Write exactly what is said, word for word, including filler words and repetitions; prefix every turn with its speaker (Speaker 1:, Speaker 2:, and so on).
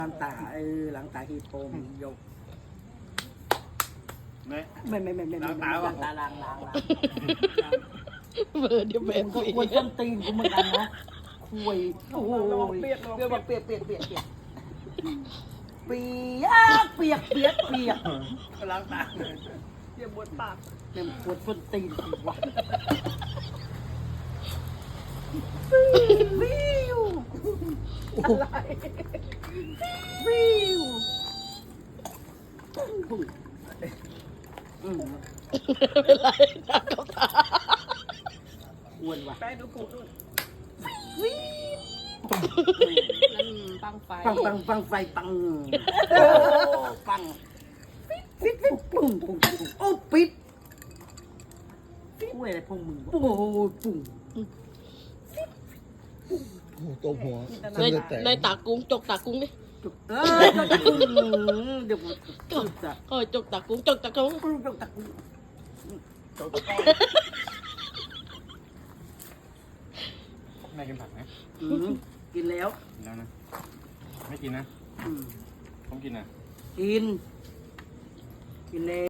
Speaker 1: ล้างตาเออล้างตาฮีโปมยก
Speaker 2: ไม่
Speaker 1: ไม่ไม่ไม่ไม่ไม่ล้างตาล้างล้างล้าง
Speaker 3: เบอร์เดียวแบบ
Speaker 1: กูควรต้นตีนกูเหมือนกันนะคุยโอ้ยเปียกเปียกเปียกเปียกเปียกเปียกเปียกเปียกเปียกเปียกล้างตาเปียกบนปากเนี่ยปวดต้นตีนกูวะวิวอะไรวิวอืม
Speaker 3: เป็นไรนักกับตา
Speaker 1: อ้วนว่ะ
Speaker 4: แป้งดูกูนู่น
Speaker 1: วิว
Speaker 4: ปังไฟ
Speaker 1: ปังปังปังไฟปังปังปิดปิดปุ้งปุ้งปุ้งโอ้ปิดกล้วยอะไรพวกมึงโอ้ปุ้ง
Speaker 5: โอ้ตัวหัว
Speaker 3: ใน
Speaker 5: เส้นเลือดแตก
Speaker 3: ในตากุ้งจกตากุ้งดิ
Speaker 1: จุกเออจุกตะกุ่งเดี๋ยวจุกตะ
Speaker 3: เออจกตากุ้งจกตากุ้ง
Speaker 1: กุ่งจุกตะกุ่ง
Speaker 2: แม่กินผักไหม
Speaker 1: อืมกินแล้ว
Speaker 2: กินแล้วนะ ไม่กินนะ
Speaker 1: อืม
Speaker 2: ผมกินนะ
Speaker 1: กินกินแล้ว